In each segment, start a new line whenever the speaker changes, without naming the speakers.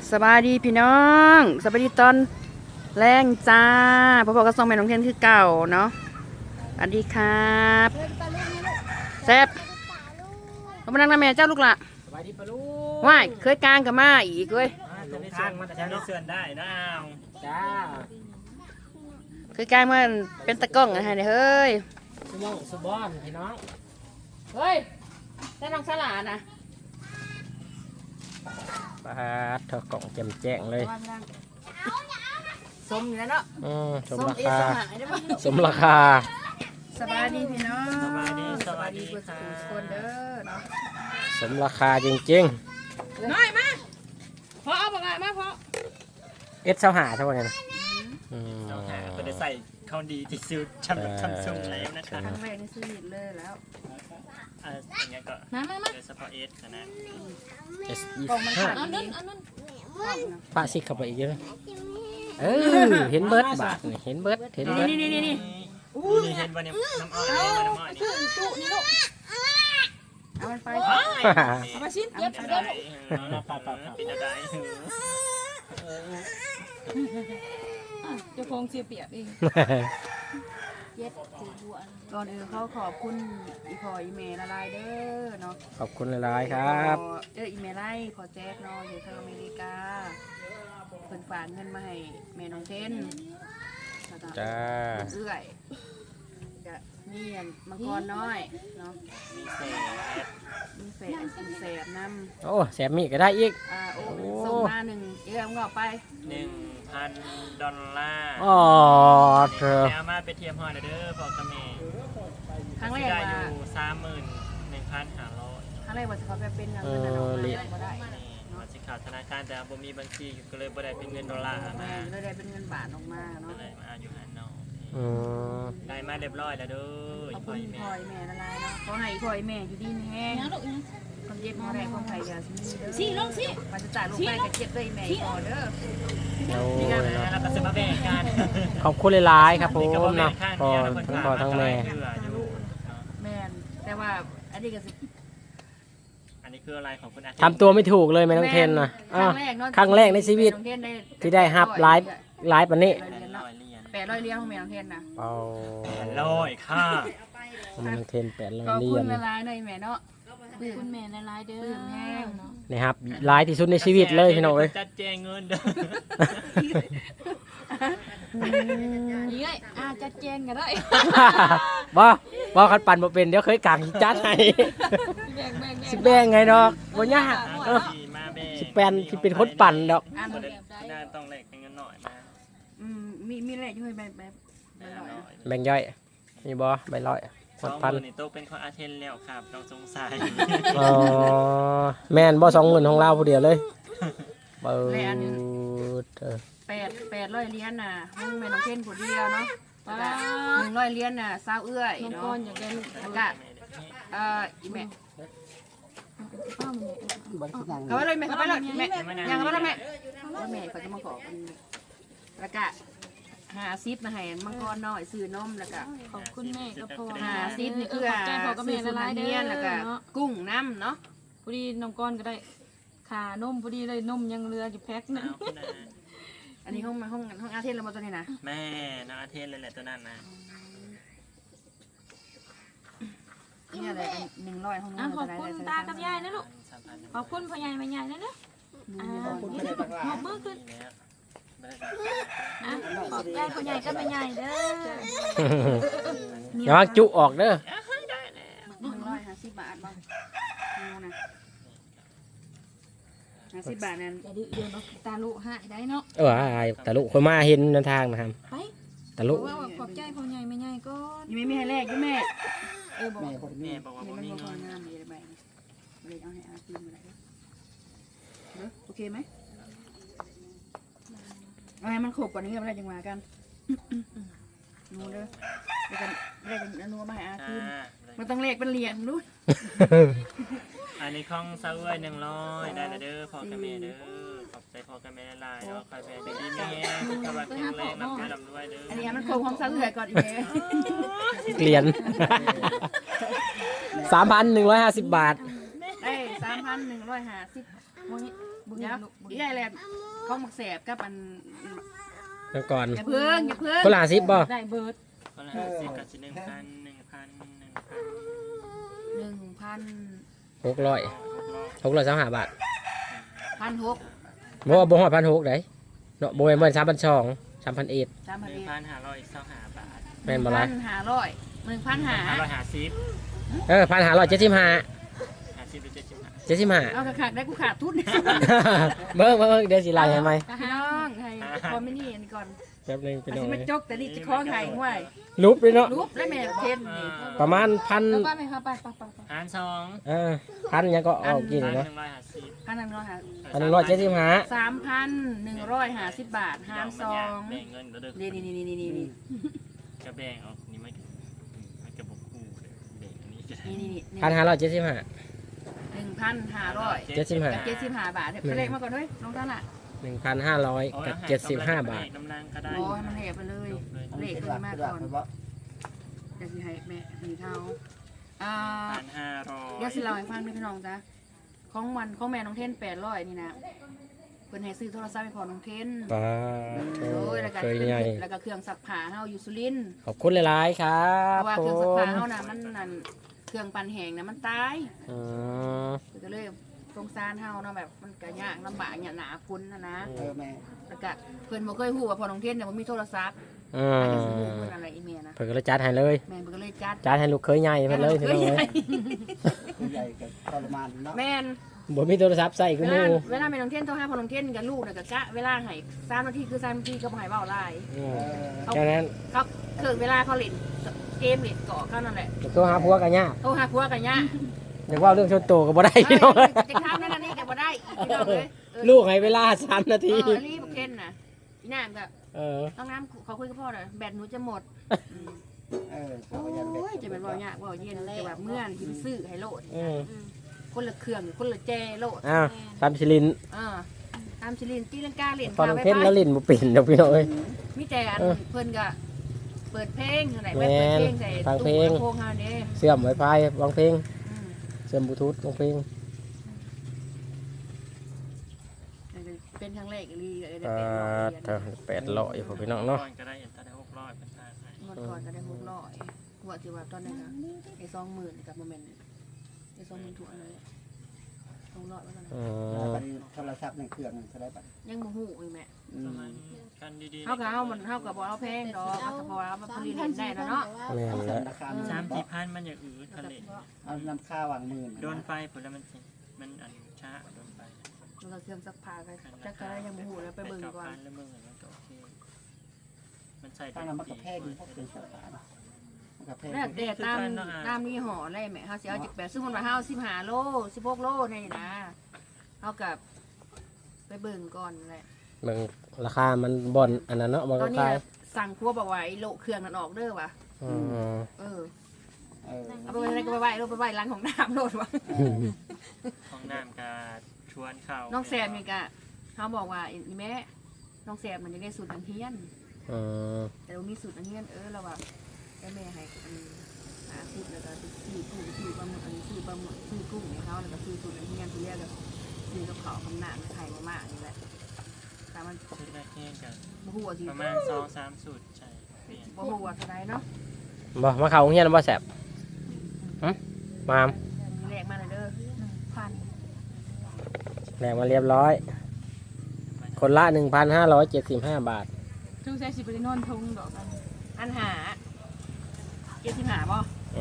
สบายดีพี่น้องสบายดีตอนแรงจ้าพ่อๆก็ส่งแม่น้องเทนคือเก่าเนาะสวัสดีครับแซ่บเขามานั่งนะแม่เจ้าลูกละ
สบายดีปะลูก
ว่ายเคยกลางกับมาอีกเว้ย
จะได้ส่วนมาแต่ฉันได้ส่วนได้นะจ้า
เคยกลางมาเป็นตะกล้องอะไรเนี่ยเฮ้ย
สมองสบอนพี่น้อง
เฮ้ยใช่น้องสลานะ
ปลาเธอกล่องแจ่มแจ้งเลย
สมอยู่แล้วเนาะ
สมราคาสมราคา
สบายดีพี่น้อง
สบายดีสบายดี
ค่ะคนเด้อเนาะ
สมราคาจริง
ๆน้อยมาพอเอาปากกามาพอ
เอสเท่าหาเท่าไหร่นะ
เท่าหาก็ได้ใส่ข้าวดีที่ซื้อชำซุงแล้วนะคะ
ครั้งแรกในชีวิตเลยแล้ว
อย่างเงี้ยก็โดยเฉพาะเอสนะ
เอส
กล่องมันขาด
นี้ปะซิกเข้าไปอีกเยอะเห็นเบิร์ดบาทเห็นเบิร์ดเห็นเบิร์ด
นี่
เห็นวันนี้น้ำอ้อยน้ำอ้อย
นี่ลูกเอามันไปเอามาชิ้นเย็บเย็บ
ปิดอะไร
จะคงเสียเปียกเองเย็ดถือบัวก่อนอื่นเขาขอบคุณอีพออีเมลละลายเด้อเนาะ
ขอบคุณหลายๆครับ
อีเมลไล่พอแจ๊กเนาะอยู่ทางอเมริกาเพิ่นฝากเงินมาให้แม่น้องเทน
จ้า
เอื้อยจะมีมังกรน้อยเนาะมีแสบน้ำ
โอ้แสบมีก็ได้อีก
โอ้ส่งมา1เอื้อมก็ไป
$1,000
อ๋อ
เธอเอามาไปเทียมหอยเด้อบอกกับแม่
ครั้งแรก
ว่าอยู่31,500
ครั้งแรกว่าจะเขาไปเป็นเงินดอลลาร์บ่ได้
มาสิขาดธนาคารแต่บ่มีบัญชีก็เลยบ่ได้เป็นเงินดอลลาร์มา
เลยได้เป็นเงินบาทออกมาเนาะ
เลยมาอยู่ฮันเนาะได้มาเรียบร้อยแล้วเด้อ
ขอบคุณพ่อยแม่ละลายเนาะขอให้พ่อยแม่อยู่ดีแห้งคนเย็บมาแรงคนไทยอย่าสิลงสิมาจะจ่ายลงไปกับเจ็บด้วยแม่ก่อนเด้อ
แล้วก็จะมาแบ่งกัน
ขอบคุณหลายๆครับผมนะพอทั้งพ่อทั้งแม่
แม่แต่ว่าอันนี้ก็
อันนี้คืออะไรของคุณอา
ทำตัวไม่ถูกเลยแม่น้องเทนนะครั้งแรกในชีวิตที่ได้ฮับไลฟ์ปันนี้
800 เหรียญของแม่น้องเทนนะ
800ค่ะ
แม่น้องเทน800 เหรียญ
ขอบคุณละลายหน่อยแม่เนาะ
คุณแม่ละลายเด้อ
แห้ง
นี่ครับไลฟ์ที่สุดในชีวิตเลยพี่น้องเอ้ย
จัดแจงเงินเด้อ
นี่ไงจัดแจงก็ได้
บ่คันปั่นบ่เป็นเดี๋ยวเคยกางจัดให้สิแบ่งไงดอกบ่ยากสิเป็นคนปั่นดอก
น่าต้องแลกเงินหน่อยนะ
มีแลกอยู่ใบ
แบ่งย่อยมีบ่ใบร้อย
2,000นี่โตเป็นของอาเทนแล้วครับน้องสงสัย
แม่นบ่20,000ของเราผู้เดียวเลย
800 เหรียญน่ะห้องแม่น้องเทนผู้เดียวเนาะ100 เหรียญน่ะซาวเอื้อย
น้องก้อนอยากได้
แล้วก็อีแม่เขาไปเลยแม่เขาไปเลยแม่ยังไปเลยแม่แม่เขาจะมาขอแล้วก็50มาให้มังกรน้อยซื้อนมแล้วก็
ขอบคุณแม่ก็พอ
50นี่คือ
ใจพอกับแม่ละลายเด้อ
แล้วก็กุ้งน้ำเนาะ
พอดีน้องก้อนก็ได้ขานมพอดีเลยนมยังเหลืออยู่แพ็คนึง
อันนี้ห้องอาเทนเรามาตัวนี้นะ
แม่น้องอาเทนเลยแหละตัวนั้นนะ
นี่อะไร100ห้อง
ขอบคุณตากับยายนะลูกขอบคุณพ่อใหญ่แม่ใหญ่นะขอบคุณขอบมือขึ้นขอบใจพ่อใหญ่กับแม่ใหญ่เด้อ
อย่าจุออกเด้อ
150 บาทบ้างนะ50 บาทนั่น
อย่าดื้อเดี๋ยวตาลุหายได้เนาะ
ตาลุคนมาเห็นทางนะครับ
ไป
ตาลุ
ขอบใจพ่อใหญ่แม่ใหญ่ก็
ยังไม่ให้แรกด้วยแม่
บอกว่า
มันมีคนงามมีอะไรเลยเอาให้อาตีมาได้โอเคไหมเอาให้มันขบกว่านี้กันอะไรจังหวะกันนูเด้อเดี๋ยวกันเรียกกันนูมาให้อาตีมันต้องเลขเป็นเหรียญด้วย
อันนี้ของซาเว่ย100ได้แล้วเด้อพอกับแม่เด้อขอบใจพอกับแม่ลายเนาะใครแม่ดีแม่กำลังแข็งแรงรับด้วยด้วยเด้อ
อันนี้มันโคงของซาเว่ยก่อนอีกเลย
เหรียญ3,150 บาท
ได้3,150
โมนี่บุญ
เดี๋ยว
ลูกบุญ
อีกอะไรข้าวหมักแสบกับอัน
แล้วก่อน
อย่าเพิ่งอย่าเพิ่ง
คนละ10บ่
ได้เบิร์ด
คนละ50กับ1,000
600 625 บาท
1,600
บ่บ่ฮอด1,600ได้เนาะบ่แม่น3,200 3,100
3,000 เอ็ด
1,525 บาท
แม่นบ่ล่ะ
1,500
550
1,575
50หรือ75
75
เอาขาดได้กูขาดทุน
เบิ่งเดี๋ยวสิไล่ให้ใหม่
พี่น้องให้คอมมินี่อันนี้ก่อน
แป๊บนึงพี่น้อง
สิมาจกแต่นี่จะคล้องไห้ห้วย
รูปเลยเนาะ
รูปและแม่เทนนี่
ประมาณ
แล้ว
1,000
ป้าไหมคะไป
หาร2
พันยังก็เอากินเนาะ
150
1,175
3,150 บาทหารสอง
แบ่งเงินก็เด้อ
นี่
จะแบ่งออกนี่มันกระบอกคู่เลยแบ่งอันนี้จะได้
1,575
1,500
75
กับ75 บาทไปเลขมาก่อนด้วยลงเท่าไหร่
1,500กับ75 บาท
น้ำนางก็ได้
โอ้ให้มันแหบไปเลยเลขตัวนี้มาก่อนเดี๋ยวสิให้แม่มีเท่าเดี๋ยวสิ
1,500
เล่าให้ฟังด้วยพี่น้องจ้ะของแม่น้องเทน800นี่นะเพิ่นให้ซื้อโทรศัพท์ให้พ่อน้องเทน
ป้า
โอ้ยแล้วก็
เคยใหญ่
แล้วก็เครื่องซักผ้าเฮาอยู่สุรินทร์
ขอบคุณหลายๆครั
เพ
บ
ราะว่า
ผ
เครื่องซักผ้าม เฮาน่ะมันนั่นเครื่องปั่นแห้งน่ะมันตาย
อืม
ก็เลยสงสารเฮาเนาะแบบมันก็ยากลำบากหนาพุ้นนะแล้วก็เพิ่นบ่เคยฮู้ว่าพ่อน้องเทนเนี่ยบ่มีโทรศัพท์
อื
อาจ
ม
จะสิฮู้เพิ่นอะไรอีเมลนะ
เพิ่นก็เลยจัดให้เลย
แม่นเพิ่นก็เลยจัด
จัดให้ลูกเคยใหญ่เพิ่นเลยพี่น้องเอ้ย
ใหญ่กับทรมานเนาะ
แม่น
บ่มีโทรศัพท์ใส่กู
เว
ห
ลา
มู่
เวลาแม่น้องเทนโทรหาพ่อน้องเทนกับลูกน่ะก็กะเวลาให้3นาทีคือ3นาทีก็บ่ให้เว้าหลาย
อืมแค่นั้น
เขาคือเวลาเขาเล่นเกมเล่นเกาะเขานั่นแหละ
โทรหาผัวกันยาก
โทรหาผัวกันยะ
อยากเว่าเรื่องชนโตวก็บ่ได้พี่น้องเอ้ย
จะทำนั่นนี่ก็บ่ได้อีกพี่น้องเลย
ลูกให้เวลา3 นาที
รีบเทนน่ะพี่น้ำก็
เออ
ต้องน้ำขอคุยกับพ่อหน่อยแบตหนูจะหมด
เขาก็ยังเด็ก
โอ้ยจะเป็นว่ายากว่าเย็นแต่ว่าเมื่อนที่ไปซื้อให้โหลด
อืม
คนละเครื่องคนละแจโหลด
อ้าวตามชิลิน
ตามชิลินตีลังกาเหรียญ
พอน้องเทนแล้วลิ้นบ่เป็นดอกพี่น้องเอ้ย
มีแต่อันเพิ่นก็เปิดเพลงอะไร
แม่
เปิด
น
เพลงใส่
ฟังเพล
ตู้
ง
ลำโพงเฮาเนี่ย
เสื่อม Wi-Fi วางเพลงเสื่อมบลูทูธวางเพลง
เป็นครั้งแรกอีได้
อ่า 800พอพี่น้องเนาะ
ก็ได้ถ้าได้600เป็นทางให้
งวดก่อนก็ได้600หัวที่ว่าตอนนั้นนะไอ้20,000กับโมเมนต์ไอ้20,000ถั่วเลย200ว่ากัน
อืม
บัดนี้โทรศัพท์ในเครื่องเขาได้บัด
ยังบ่ฮู้อีแม่
ประมาณกันดีๆ
เฮาก็เอามันเฮาก็บ่เอาแพงดอกเอาพอเอามาผลิตเล่นได้แล้วเนาะ
แม่น
เอา
แล้ว
ราคา
3-4,000มันอย่างอื่นทะเล
เอาน้ำข้าววางมือ
โดนไฟผลแล้วมันอันช้าโดนไฟ
แล้วก็เครื่องซักผ้าก็จักก็ได้ยังบ่ฮู้แล้วไปเบิ่งก่อน
แล้วมึงมันก็โอเคมันใส่
ตั้งน้ำมันกระแพงพวกเป็นสัตว์ป่ามันกระแพง
แล้วแต่ตามยี่ห้ออะไรแม่เฮาสิเอาจากแบบซึ่งมันว่าเฮา15โล16โลนี่นะเฮากับไปเบิ่งก่อนแหละ
เบิ่งราคามันบ่อนอันนั้นเนาะบ่
ตอนนี้
ขาย
สั่งครัวบอกว่าไอ้โลเครื่องนั่นออกเด้อว่ะ
อืม
เออ
เออ
เอาไปไว้ไหนก็ไปไว้โลไปไว้ร้านของน้ำโลดว่ะ
ของน้ำกาชวนเข้า
น้องแซมนี่ก็เขาบอกว่าอีแม่น้องแซมมันจะได้สูตรอันเฮียน
อืม
แต่ว่ามีสูตรอันเฮียนเราว่าได้แม่ให้หาสูตรแล้วก็ซื้อกุ้งซื้อปลาหมึกอันนี้ซื้อปลาหมึกซื้อกุ้งให้เขาแล้วก็ซื้อสูตรอันเฮียนที่เรียกก็ซื้อกับเขาวคำหนาไข่มากๆนี่แหละแต่มัน
ชุดแรกแค่กัน
บ่ฮู้ว่าสิ
ประมาณ2-3สูตรใช่เปลี่ยน
บ่ฮู้ว่าเท่าใดเนาะ
บ่มาเข้าโรงเรียนบ่แซ่บหึมาม
แรกมาเลยเด้อ1,000
แลกมาเรียบร้อย คนละ 1,575 บาท
จุงใช้สิบไปนอนทงดอกกัน
อันหา75บ่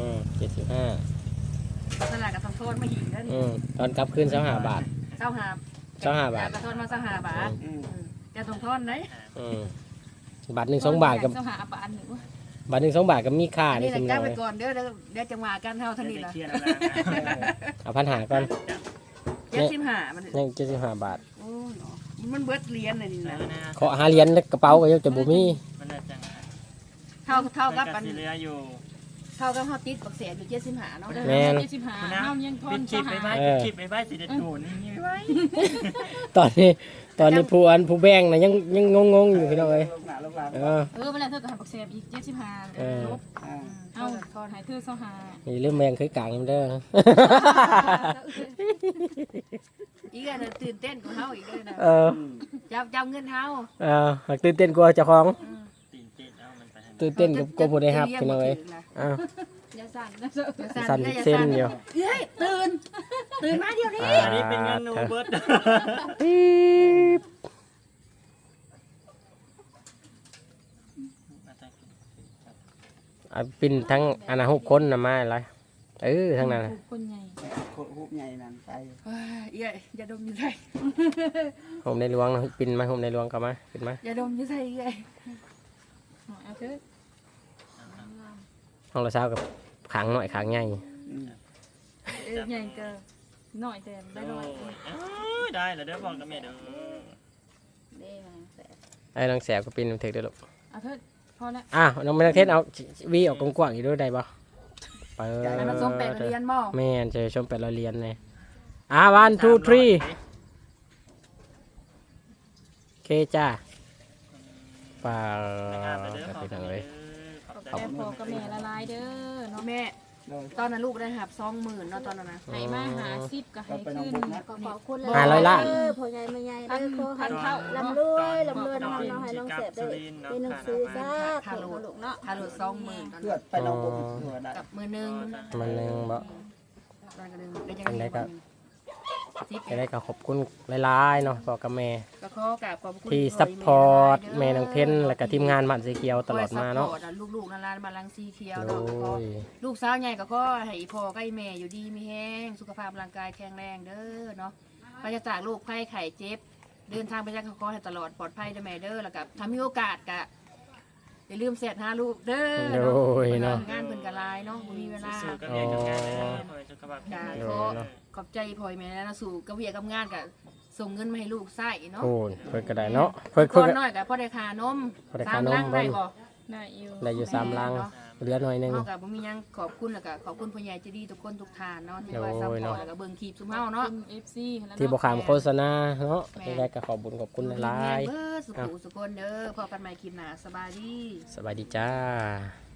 75
ตลาดกับทองโทษมาหิงเด้อนี่
ตอนกลับคืน25 บาท
25
บาท
กระทอนมา25 บาทจะทองโทษไหน
บาทหนึ่ง2 บาทกับ
เจ้าหาปานหนึ่ง
บาทหนึ่ง2 บาทกับมีค่า
อัน
นี่
นี้
สำ
นะ
เนา
จ้าไป
เลย
ก่อนเดี๋ยวจังหวะกันเท่าเท่านี้ละ
เครียดแล้วนะ
เอาพันหาก่อน
75มัน
ยัง75 บาท
โอ้ยมันเบิดเหรียญเลยนี่นะ
ขอหาเหรียญในกระเป๋าก็ยังจะบ่มี
มันน่าจะ
เท่ากับ
กั
อั
น
น
เหลืออยู่
เท่ากับเฮาติดบักเสียอยู่75เนาะ
แม่น
75
คุณนะ
เฮายังทอ
ปิ
น
ดคลิปไป
เจ้าหา
ไว้ปิดคลิปไปไว้สิเด็ดโดนนี่ไว้
ตอนนี้ตอนนี้ผู้แบ่งน่ะยังงงๆอยู่พี่น้องเอ้ย
ลงหน้าลงหลัง
เวลาเธอก็หาบักแซบอีก75ลบ
อ่า
เอาทอนให้เธอ25
นี่เริ่มแบ่งเคยกลางเด้อ
อีกอันน่ะตื่นเต้นกว่าเฮาอีกเลยนะ
เออ
จับเงินเฮา
หากตื่นเต้นกว่าเจ้าของ
ตีนเต้นเอามันไปให้
ตื่นเต้นกับกลัวผู้ได้รับพี่น้องเอ้ยอ้าว
อย่าสั่นนะ
สั่นเส้นเดียว
เฮ้ยตื่นมาเดี๋ยวนี้
อันนี้เป็นเงินหนูเบิร์ด
ปี๊บปิ่นทั้งอนา6คนน่ะมาอะไรทั้งนั้นน่ะ
คนใหญ่
โคตรฮุบใหญ่นั่นไป
อย่าดมอยู่ใส่
โฮมในหลวงปิ่นมาโฮมในหลวงกลับมาขึ้นมา
อย่าดมอยู่ใส่ไง
เอาเธอ
ห้องละเช้ากับขังหน่อยขังใหญ่
ใหญ่เกินหน่อยแต่ได้
โอ้
หน่อย
ยได้แล้วเด้อพ่อกับแม่เด้อ
ไอ้น้องแสบก็ปิ่นถือได้ลูก
เอาเธอพอแล้ว
น้องไม่ต้องเทศเอาวีออกกว้างๆอีกด้วยได้ปะเปิด
ให้มันส่งแปลงเรียนบ่
แม่นจะชม800เหรียญเลย1 2 3โอเคจ้าป่า
งานไปเด้อ
ก็
พ่อ
เป็น
กับ
ยัง
แม่
ไง
เด้อขอบใจ
แต่พอกับแม่ละลายเด้อเนาะ
แม่
เลย
ตอนนั้นลูกได้หับ20,000เนาะตอนนั้นนะ
ให้มาหา10ก็ให้ขึ้น
ขอบคุณ
500 ล้าน
พ่อใหญ่แม่ใหญ่เด้อขอให้ลำรวยน้องให้น้องเสพได้ได้หนังสือซะ
ค่าโหลด
ลูกเนาะ
ค่าโหลด20,000ตอน
เพื่อ
นั้น
ไปน้องบุญเพื่อได้
กับมือหนึง
มันนึงบ่
ตอนกันนึงได้ยังไง
จะได้ก็ขอบคุณหลายๆเนาะพ่อกับแม่
ก็ขอกราบขอบคุณ
ที่ซัพพอร์ตแม่น้องเทนและก็ทีมงานบ้านสีเขียวตลอดมาเนาะ
ลูกๆนั่นบ้านลังสีเขียว
โด
เนาะก็
ย
ลูกสาวใหญ่ก็ขอให้พ่อกับแม่อยู่ดีมีแห้งสุขภาพร่างกายแข็งแรงเด้อเนาะปราศจากโรคภัยไข้เจ็บ เดินทางไปจากขอให้ตลอดปลอดภัยเด้อแม่เด้อแล้วก็ถ้ามีโอกาสก็อย่าลืมเสร็จหาลูกเด้อ
โดยเนาะ
งานเพิ่นก็หลายเนาะบ่มีเวลา
สู้กับแม่กับงานเด้อขอให้สุขภาพแข็งแรง
โดยเนาะ
ขอบใจพ่อแม่นะสู่กับเวียกับงานก็ส่งเงินมาให้ลูกใช้เนาะ
โอ้ยเพิ่นก็ได้เนาะเพิ่น
ก่อนน้อยก็พอได้ค่านม
พอได้ค่านม
3ลังได้บ่
ได้อยู่
ได้อยู่3ลังเหลือหน่อยหนึง
เฮาก็บ่มีหยังขอบคุณแล้วก็ขอบคุณผู้ใหญ่ใจดีทุกคนทุกท่านเนาะที่ว่า
โอ้
ซัพ
ย
พอ
เนาะ
ร์ตแล้วก็เบิ่งคลิปซุมเฮาเนาะ
คุณ FC แล้ว
ที่บ่ขามโฆษณาเนาะได้ก็ขอบคุญขอบคุณหลาย
เบิดสุขุสุคนเด้อพอกันใหม่คลิปหน้าสบายดี
ๆสบายดีจ้า